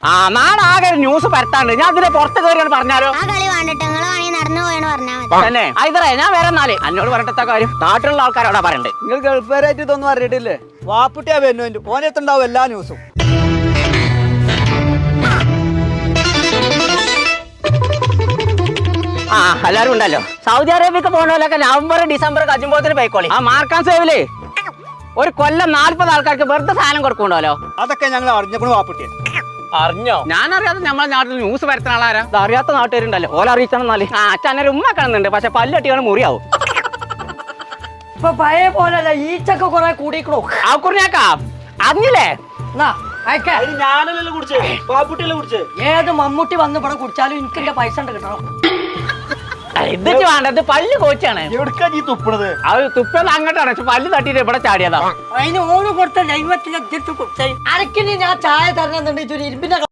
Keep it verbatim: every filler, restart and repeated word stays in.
ആ നാളെ ആകെ ന്യൂസ് പരത്താണ്ട് ഞാൻ അതിനെ പുറത്ത് കയറിയാണ് പറഞ്ഞാലോ ആ കളി വേണ്ടിട്ട് നിങ്ങള് വേണമെങ്കിൽ നടന്നു പോയെന്ന് പറഞ്ഞാൽ മതി. തന്നെ ഐതറേ ഞാൻ വേറെ എന്നാല് എന്നോട് പറഞ്ഞിട്ട കാര്യം നാട്ടിലുള്ള ആൾക്കാരോടാ പറയണ്ടേ. നിങ്ങൾ ഗൾഫുകാരായിട്ട് ഇതൊന്നും അറിയിട്ടില്ലേ? വാപ്പുട്ടിയാ വരുന്നു ഓനെത്തുണ്ടാവും എല്ലാ ന്യൂസും. ആ എല്ലാരും ഉണ്ടല്ലോ. സൗദി അറേബ്യക്ക് പോകണമല്ലൊക്കെ നവംബർ ഡിസംബർ കജുമ്പോത്തിന് പോയിക്കോളി. ആ മാർക്കാൻ സേവില് ഒരു കൊല്ലം നാല്പത് ആൾക്കാർക്ക് വെറുതെ സാധനം കൊടുക്കണ്ടല്ലോ. അതൊക്കെ ഞങ്ങൾ അറിഞ്ഞപ്പോൾ വാപ്പുട്ടിയ അറിഞ്ഞോ? ഞാൻ അറിയാതെ നമ്മളെ നാട്ടിൽ ന്യൂസ് വരുത്തുന്ന ആളാരാ? ഇത് അറിയാത്ത നാട്ടുകാരുണ്ടല്ലോ. ഓല അറിയിച്ചാൽ ആ അച്ഛനൊരു ഉമ്മ കാണുന്നുണ്ട്. പക്ഷെ പല്ലട്ടിയാണ് മുറിയാവും. ഇപ്പൊ പഴയ പോലല്ല, ഈച്ചൊക്കെ കുറെ കൂടിക്കണോ. ആ കുറിഞ്ഞാക്കാ അറിഞ്ഞില്ലേ? ഞാനല്ലേ കുടിച്ചേ, വാപ്പുട്ടിയല്ലേ കുടിച്ചേ. ഏത് മമ്മൂട്ടി വന്ന് ഇവിടെ കുടിച്ചാലും എനിക്ക് എന്റെ പൈസ ഉണ്ട് കിട്ടണം. ഇതിച്ച് വേണ്ടത് പല്ല് കോച്ചാണ്. എവിടുക്കാ നീ തുപ്പണത്? അത് തുപ്പത് അങ്ങോട്ടാണ്. പക്ഷെ പല്ല് തട്ടിട്ട് ഇവിടെ ചാടിയതാ. അതിന് ഓന് കൊടുത്ത ദൈവത്തിന്റെ അധ്യക്ഷ കുടിച്ചാൽ അരക്കിന് ഞാൻ ചായ തരണമെന്നുണ്ടെങ്കിൽ ഇരുമ്പിന്റെ